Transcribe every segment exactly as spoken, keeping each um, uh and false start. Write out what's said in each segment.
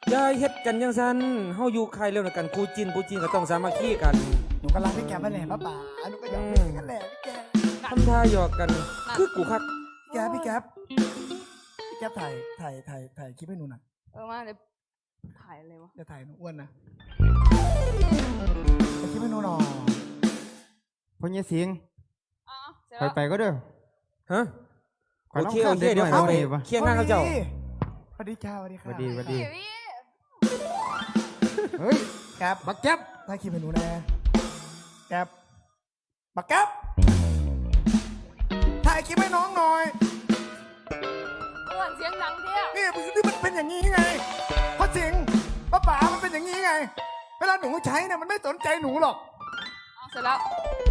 อย่าเฮ็ดกันยังซันเฮาอยู่ใครเร็วนะกันกูจินกูจินก็ต้องสามัคคีกันหนูก็รักพี่แกมาแหละป้าป๋าหนูก็อยากเป็นกันแหละพี่แกทำท่าหยอกกันคือกูคักแกพี่แกพี่แกถ่ายถ่ายถ่ายถ่ายคลิปให้หนูหน่อยเออมาเดี๋ยวถ่ายอะไรวะจะถ่ายหนูอ้วนนะถ่ายคลิปให้หนูหน่อยพ่อเงี้ยสิงอ๋อเสร็จไปแล้วไปก็เด้อฮะขอโอน้องเคข้าโอมเคเด็กเดี๋ยวหน่เขาอยไปได้ปะเคียงข้างเขาเจ้าสวัสดีค่ะสวัสดีค่ะสวัสดีสวัสดีพี่พี่เฮ้ยแกบบักแจ๊บถ่ายคลิปให้หนูแน่แกบบักแกบถ่ายคลิปให้น้องหน่อยเพื่อนเสียงดังเที่ยนี่นี่มันเป็นอย่างนี้ไงเพราะจริงป้าป๋ามันเป็นอย่างนี้ไง เวลาหนูใช้เนี่ยมันไม่สนใจหนูหรอกเอาเสร็จแล้ว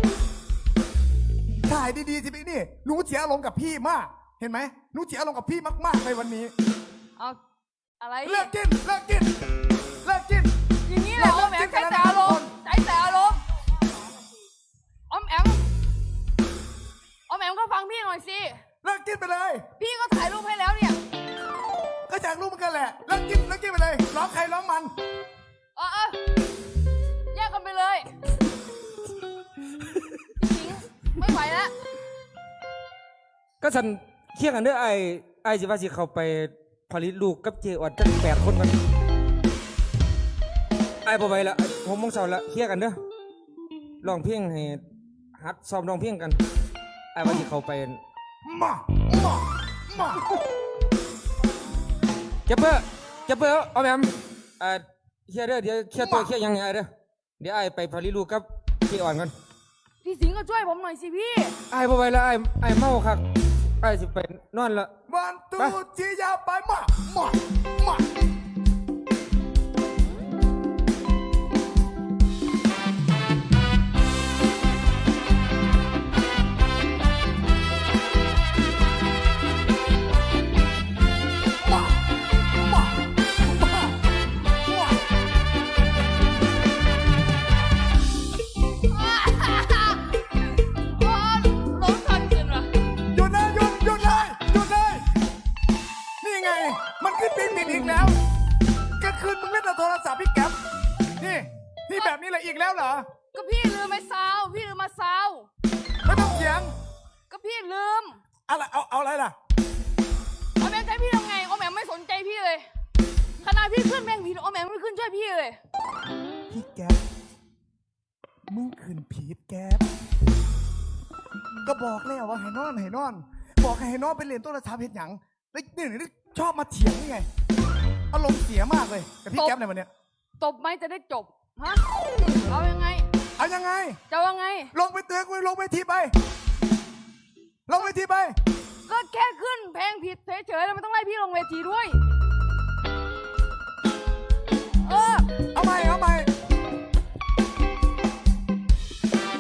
ถ่ายดีๆสิพี่นี่หนูเสียอารมณ์กับพี่มาก เห็นไหมหนูเสียอารมณ์กับพี่มากๆในวันนี้เอาอะไรเลิกกินเลิกกินเลิกกินอย่างนี้แหละออมแอมใช้แต่อารมณ์ใช้แต่อารมณ์ออมแอมออมแอมก็ฟังพี่หน่อยสิเลิกกินไปเลยพี่ก็ถ่ายรูปให้แล้วเนี่ยก็อยากรู้เหมือนกันแหละเลิกกินเลิกกินไปเลยร้องใครร้องมันเออเออแยกกันไปเลยจริงๆไม่ไหวแล้วก็สันเคียงกันเด้อไอ้ไอ้สิว่าสิเข้าไปผลิตลูกกับเจออดจังแปดคนกันไอ้บ่ไหวละผมมงเสาละเคียงกันเด้อร้องเพลงให้ฮัดซ้อมร้องเพลงกันไอ้ว่าสิเข้าไปมามามาเจ็บเบ้อเจ็บเบ้อเอาแม่มเอ่อเคียเด้อเดี๋ยวเคียตัวเคียยังไงไอ้เด้อเดี๋ยวไอ้ไปผลิตลูกกับเจอ่อนกันพี่สิงห์ก็ช่วยผมหน่อยสิพี่ไอ้บ่ไหวละไอ้ไอ้เมาคักไอ้สิไปนอนละวันตูจียาวไปมามามา มามามามาโอ้ร้องทันขึ้นว่ะหยุดเลยหยุดหยุดเลยหยุดเลยนี่ไง มันขึ้นปิดปิดอีกแล้วกลางคืนมึงเล่นแต่โทรศัพท์พี่แก๊ปนี่นี่แบบนี้แหละอีกแล้วเหรอก็พี่ลืมไอ้ซาวพี่ลืมมาซาวไม่ต้องเถียงก็พี่ลืมอะไรเอาเอาอะไรล่ะออมแอมใช้พี่ทำไงออมแอมไม่สนใจพี่เลยขนาดพี่ขึ้นแมงผีออมแอมไม่ขึ้นช่วยพี่เลยพี่แก๊ปมึงขืนผีดแก๊ปก็บอกแล้วว่าให้นอนให้นอน บอกให้ให้นอนไปเรียนโทรศัพท์เห็นหยังแล้วนี่นี่ชอบมาเถียงนี่ไงอารมณ์เสียมากเลยกับพี่แก๊ปในวันเนี้ยตบไหมจะได้จบฮะเอายังไงเอายังไงจะเอายังไงลงไปเตือนกูลงไปทีไป ลงไปทีไปก็แค่ขึ้นเพลงผิดเฉยๆแล้วไม่ต้องไล่พี่ลงเวทีด้วย